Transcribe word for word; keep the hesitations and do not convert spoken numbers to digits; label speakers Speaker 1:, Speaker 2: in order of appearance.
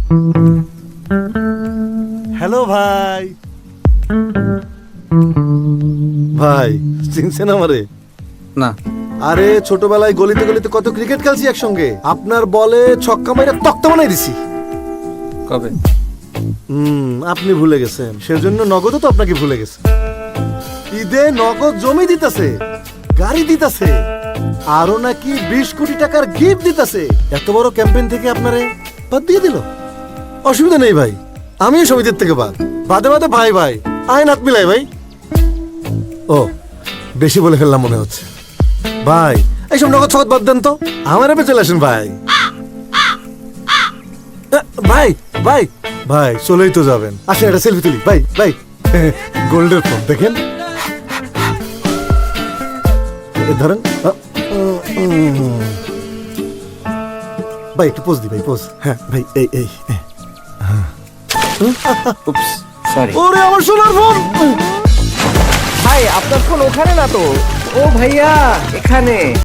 Speaker 1: Hello ভাই। ভাই চিনছেন আমারে?
Speaker 2: না।
Speaker 1: আরে ছোটবেলায় গলিতে গলিতে কত ক্রিকেট খেলছি একসঙ্গে। আপনার বলে ছক্কা মাইরা তক্তা বানাই দিছি।
Speaker 2: কবে?
Speaker 1: হুম, আপনি ভুলে গেছেন, সেজন্য নগদও তো আপনাকে ভুলে গেছে। ঈদে নগদ জমি দিতেছে, গাড়ি দিতেছে, আরো নাকি বিশ কোটি টাকার গিফট দিতেছে। এত বড় ক্যাম্পেইন থেকে আপনারে বাদ দিয়ে দিল। অসুবিধা নেই ভাই, আমিও সমিতির থেকে বাদ। বাদে বাদে ভাই ভাই আইন হাত মিলাই ভাই। ও বেশি বলে ফেললাম মনে হচ্ছে। ভাই এইসব নগদ ছগদ বাদ দেন তো, আমার এপে চলে আসেন ভাই। আ, ভাই ভাই ভাই চলেই তো যাবেন, আসেন একটা সেলফি তুলি। ভাই ভাই গোল্ডের ফোন দেখেন, এ ধরেন। আ, উম, ভাই একটু পোজ দি ভাই, পোজ। হ্যাঁ ভাই এই এই এই।
Speaker 2: Oops, sorry.
Speaker 1: ওরে আমার সোনার ফোন।
Speaker 3: ভাই আপনার ফোন ওখানে না তো। ও ভাইয়া এখানে।